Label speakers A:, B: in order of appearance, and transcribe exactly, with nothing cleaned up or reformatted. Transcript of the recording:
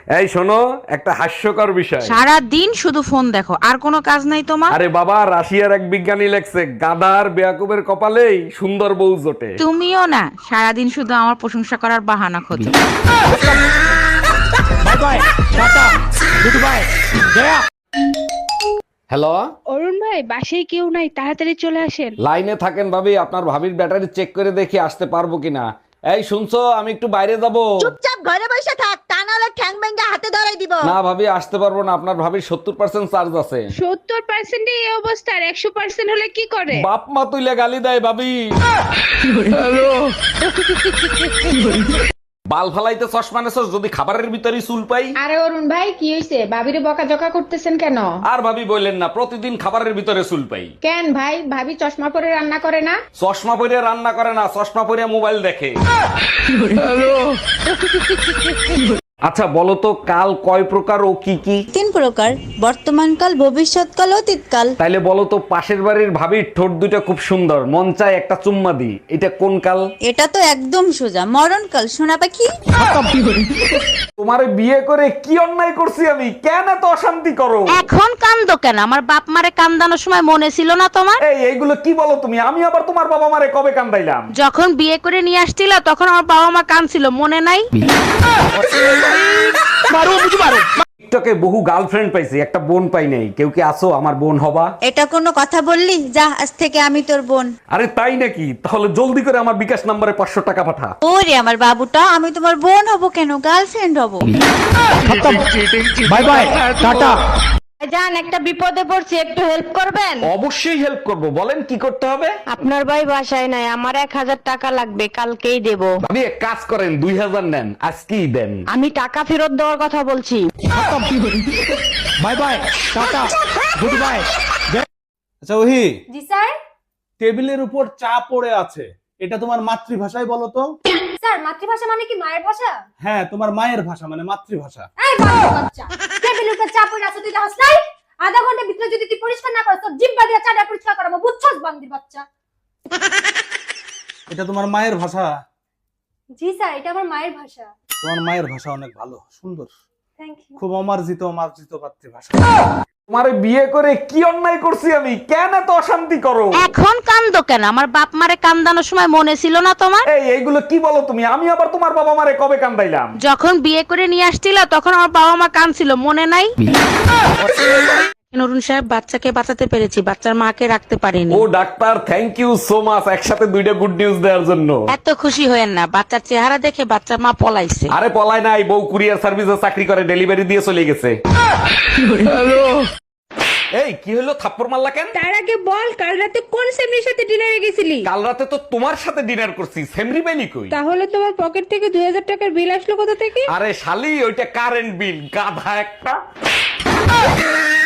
A: এই শোনো, একটা হাস্যকর বিষয়।
B: সারা দিন শুধু ফোন দেখো, আর কোনো কাজ নাই তোমার?
A: আরে বাবা, রাশিয়ার এক বিজ্ঞানী লেখছে গাধার বেয়াকুবের কপালেই সুন্দর বউ জোটে।
B: তুমিও না, সারাদিন শুধু আমার প্রশংসা করার বাহানা খোঁজো।
C: Bye bye, tata, good bye, গয়া।
A: হ্যালো,
D: অরুণ ভাই, বাসায় কেউ নাই, তাড়াতাড়ি চলে আসেন।
A: লাইনে থাকেন ভাবি, আপনার ভাবির ব্যাটারি চেক করে দেখি আসতে পারবো কিনা। এই শুনছো, আমি একটু বাইরে যাব।
E: চুপচাপ ঘরে বসে থাক, তা নাহলে ঠ্যাং ভেঙে হাতে ধরাই দিব।
A: না ভাবি, আসতে পারবো না, আপনার ভাবির সত্তর পার্সেন্ট চার্জ আছে।
D: সত্তর পার্সেন্ট এই অবস্থা, আর একশো পার্সেন্ট হলে কি করে?
A: বাপ মা তুইলে গালি দেয় ভাবি। বাল ফালাইতে চশমা নেছস, যদি খাবারের ভিতরে চুল পাই।
F: আরে অরুণ ভাই, কি হয়েছে? ভাবিরে বকাঝকা করতেছেন কেন?
A: আর ভাবি বললেন না, প্রতিদিন খাবারের ভিতরে চুল পাই।
F: কেন ভাই, ভাবি চশমা পরে রান্না করে না?
A: চশমা পরে রান্না করে না, চশমা পরে মোবাইল দেখে। আচ্ছা বলো তো, কাল কয় প্রকার ও কি কি?
E: তিন প্রকার, বর্তমানকাল, ভবিষ্যৎকাল, অতীতকাল।
A: তাইলে বলো তো, পাশের বাড়ির ভাবির ঠোঁট দুইটা খুব সুন্দর, মন চায় একটা চুম্মা দি, এটা কোন কাল?
E: এটা তো একদম সোজা, মরণকাল, সোনা পাখি।
A: তোমারে বিয়ে করে কি অন্যায় করছি আমি? কেন এত অশান্তি করো?
B: এখন কান্দো কেন? আমার বাপ মারে কান্দানোর সময় মনে ছিল না তোমার?
A: এই এইগুলো কি বলো তুমি? আমি আবার তোমার বাবা মারে কবে কান্দাইলাম?
B: যখন বিয়ে করে নিয়ে আসছিল তখন আমার বাবা মা কাঁদছিল, মনে নাই?
A: টিকটকে বহু গার্লফ্রেন্ড পাইছি, একটা বোন পাই নাই। কেউ কি আছো আমার বোন হবা?
E: এটা কোনো কথা বললি? যা, আজ থেকে আমি তোর বোন।
A: আরে তাই নাকি? তাহলে জলদি করে আমার বিকাশ নাম্বারে পাঁচশো টাকা পাঠা।
E: ওরে আমার বাবুটা, আমি তোমার বোন হব কেন, গার্লফ্রেন্ড হব।
C: Bye bye, tata.
G: জান, একটা বিপদে পড়ছি, একটু হেল্প করবেন?
A: অবশ্যই হেল্প করব, বলেন কি করতে হবে?
G: আপনার ভাই বাসায় নাই, আমার এক হাজার টাকা লাগবে, কালকেই দেব।
A: ভাবি এক কাজ করেন, দুই হাজার নেন, আজকেই দেন।
G: আমি টাকা ফেরত দেওয়ার কথা বলছি।
C: Bye bye, tata, good bye. আচ্ছা ওহি,
H: জি স্যার।
C: টেবিলের উপর চা পড়ে আছে, এটা তোমার মাতৃভাষায় বলো তো।
H: স্যার, মাতৃভাষা মানে কি মায়ের ভাষা?
C: হ্যাঁ, তোমার মায়ের ভাষা মানে মাতৃভাষা।
H: এই বাচ্চা বাচ্চা, টেবিলের উপর চা পড়ে আছে, তুই দেখছ নাই? আধা ঘন্টার ভিতরে যদি তুই পরিষ্কার না করিস, তোর জিহ্বা দিয়ে চাটা পরিষ্কার করাবো, বুঝছস বান্দির বাচ্চা?
C: এটা তোমার মায়ের ভাষা।
H: জি স্যার, এটা আমার মায়ের ভাষা।
C: তোমার মায়ের ভাষা অনেক ভালো, সুন্দর,
H: থ্যাংক ইউ।
C: খুব অমার্জিত অমার্জিত মাতৃভাষা।
A: তোমারে বিয়ে করে কি অন্যায় করছি আমি? কেন এত অশান্তি করো?
B: এখন কান্দো কেন? আমার বাপ মারে কান্দানোর সময় মনে ছিল না তোমার?
A: এই এইগুলো কি বলো তুমি? আমি আবার তোমার বাবা মারে কবে কান্দাইলাম?
B: যখন বিয়ে করে নিয়ে আসছিল তখন আমার বাবা মা কাঁদছিল, মনে নাই? নরুন সাহেব, বাচ্চাকে বাঁচাতে পেরেছি, বাচ্চার মাকে রাখতে পারিনি।
A: ও doctor, thank you so much, একসাথে দুইটা গুড নিউজ দেওয়ার জন্য।
B: এত খুশি হয়েন না, বাচ্চার চেহারা দেখে বাচ্চার মা পলাইছে।
A: আরে পলায় নাই, বউ কুরিয়ার সার্ভিসে চাকরি করে, ডেলিভারি দিয়ে চলে গেছে। এই কি হলো, থাপ্পড় মারলা কেন?
D: তার আগে বল, কাল রাতে কোন সেমরির সাথে ডিনারে গেছিলি?
A: কাল রাতে তো তোমার সাথে ডিনার করছি, সেমরি বেলি কই?
D: তাহলে তোমার পকেট থেকে দুই হাজার টাকার বিল আসলো কোথা থেকে?
A: আরে শালি, ওইটা কারেন্ট বিল, গাধা একটা।